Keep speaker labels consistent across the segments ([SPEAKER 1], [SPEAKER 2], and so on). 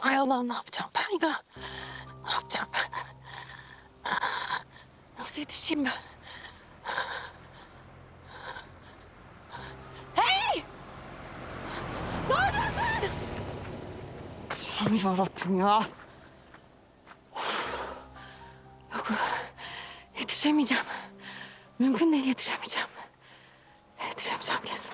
[SPEAKER 1] Hay Allah'ım, ne yapacağım ben ya? Ne yapacağım ben? Nasıl yetişeyim ben? Hey! Ne yapıyorsun? Aman yarabbim ya. Yok, yetişemeyeceğim. Mümkün değil, yetişemeyeceğim. Yetişemeyeceğim kesin.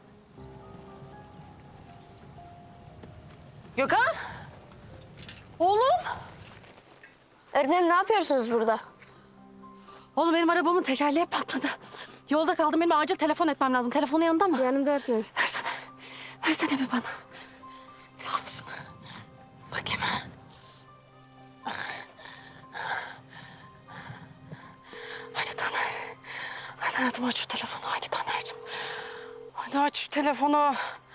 [SPEAKER 1] Gökhan! Oğlum!
[SPEAKER 2] Öğretmenim ne yapıyorsunuz burada?
[SPEAKER 1] Oğlum benim arabamın tekerleği patladı. Yolda kaldım, benim acil telefon etmem lazım. Telefonu yanında mı?
[SPEAKER 2] Yanımda öğretmenim.
[SPEAKER 1] Versene. Versene bir bana. Sağ olasın. Bakayım. Hadi Taner. Hadi hayatım, aç şu telefonu. Hadi Taner'cim. Hadi aç şu telefonu.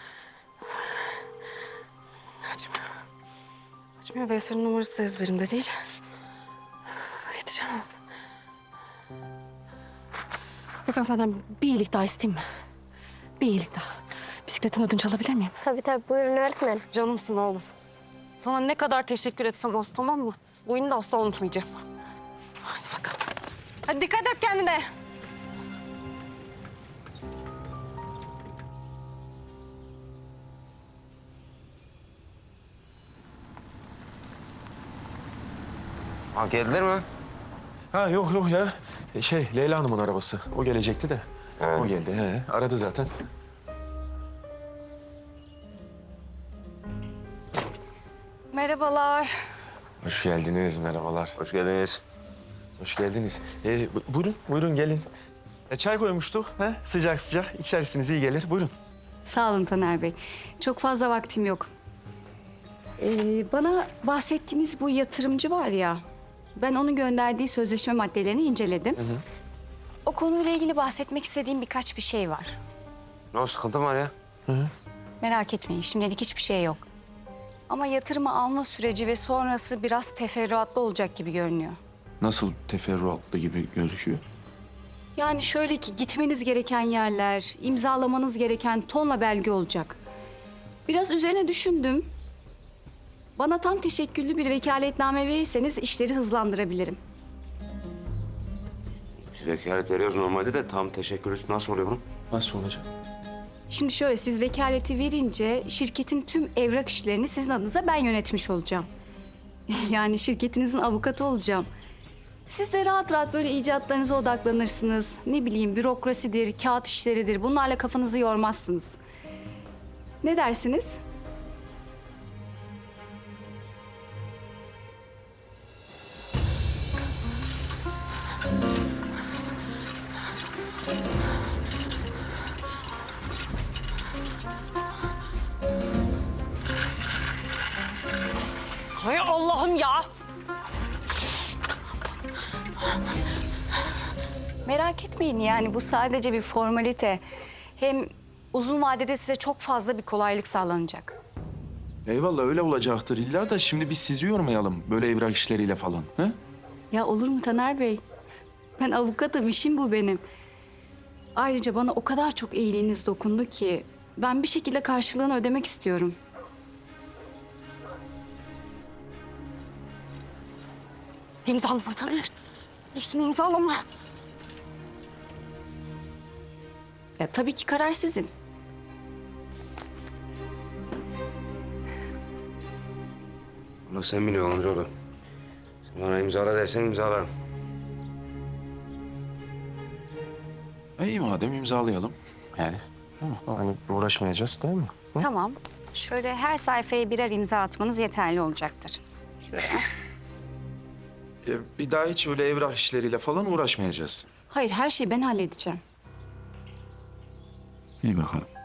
[SPEAKER 1] Açmıyor. Açmıyor. Veysel'in numarası da ezberimde değil. Yetişemem. Gökhan, senden bir iyilik daha isteyeyim mi? Bir iyilik daha. Bisikletin ödünç alabilir miyim?
[SPEAKER 2] Tabii buyurun öğretmenim.
[SPEAKER 1] Canımsın oğlum. Sana ne kadar teşekkür etsem az, tamam mı? Bu oyunu da asla unutmayacağım. Hadi bakalım. Hadi dikkat et kendine.
[SPEAKER 3] Ha, geldiler mi?
[SPEAKER 4] Ha yok ya. Leyla Hanım'ın arabası. O gelecekti de.
[SPEAKER 3] Evet.
[SPEAKER 4] O geldi. Aradı zaten.
[SPEAKER 1] Merhabalar.
[SPEAKER 4] Hoş geldiniz, merhabalar.
[SPEAKER 3] Hoş geldiniz.
[SPEAKER 4] Hoş geldiniz. Buyurun gelin. Çay koymuştuk. Sıcak sıcak. İçersiniz, iyi gelir. Buyurun.
[SPEAKER 5] Sağ olun Taner Bey. Çok fazla vaktim yok. Bana bahsettiğiniz bu yatırımcı var ya... ben onun gönderdiği sözleşme maddelerini inceledim. O konuyla ilgili bahsetmek istediğim birkaç bir şey var.
[SPEAKER 3] Ne o, sıkıntı mı var ya?
[SPEAKER 5] Merak etmeyin, şimdilik hiçbir şey yok. Ama yatırımı alma süreci ve sonrası biraz teferruatlı olacak gibi görünüyor.
[SPEAKER 6] Nasıl teferruatlı gibi gözüküyor?
[SPEAKER 5] Yani şöyle ki, gitmeniz gereken yerler, imzalamanız gereken tonla belge olacak. Biraz üzerine düşündüm. Bana tam teşekküllü bir vekaletname verirseniz işleri hızlandırabilirim.
[SPEAKER 3] Biz vekalet veriyoruz normalde de tam teşekkür nasıl oluyor bunun?
[SPEAKER 4] Nasıl olacak?
[SPEAKER 5] Şimdi şöyle, siz vekaleti verince şirketin tüm evrak işlerini sizin adınıza ben yönetmiş olacağım. Yani şirketinizin avukatı olacağım. Siz de rahat rahat böyle icatlarınıza odaklanırsınız. Ne bileyim, bürokrasidir, kağıt işleridir. Bunlarla kafanızı yormazsınız. Ne dersiniz?
[SPEAKER 1] Hay Allah'ım ya.
[SPEAKER 5] Merak etmeyin, yani bu sadece bir formalite. Hem uzun vadede size çok fazla bir kolaylık sağlanacak.
[SPEAKER 6] Eyvallah, öyle olacaktır illa da şimdi biz sizi yormayalım böyle evrak işleriyle falan. He?
[SPEAKER 5] Ya olur mu Taner Bey? Ben avukatım, işim bu benim. Ayrıca bana o kadar çok iyiliğiniz dokundu ki... ben bir şekilde karşılığını ödemek istiyorum.
[SPEAKER 1] İmzalama Taner. Üstüne imzalama.
[SPEAKER 5] Ya tabii ki karar sizin.
[SPEAKER 3] Ulan sen biliyorsun amcaoğlu. Sen bana imzala dersen imzalarım.
[SPEAKER 6] İyi madem imzalayalım.
[SPEAKER 4] Yani hani uğraşmayacağız değil mi?
[SPEAKER 5] Tamam. Şöyle her sayfaya birer imza atmanız yeterli olacaktır. Şuraya.
[SPEAKER 6] Bir daha hiç öyle evrak işleriyle falan uğraşmayacağız.
[SPEAKER 5] Hayır, her şeyi ben halledeceğim.
[SPEAKER 6] İyi bakalım.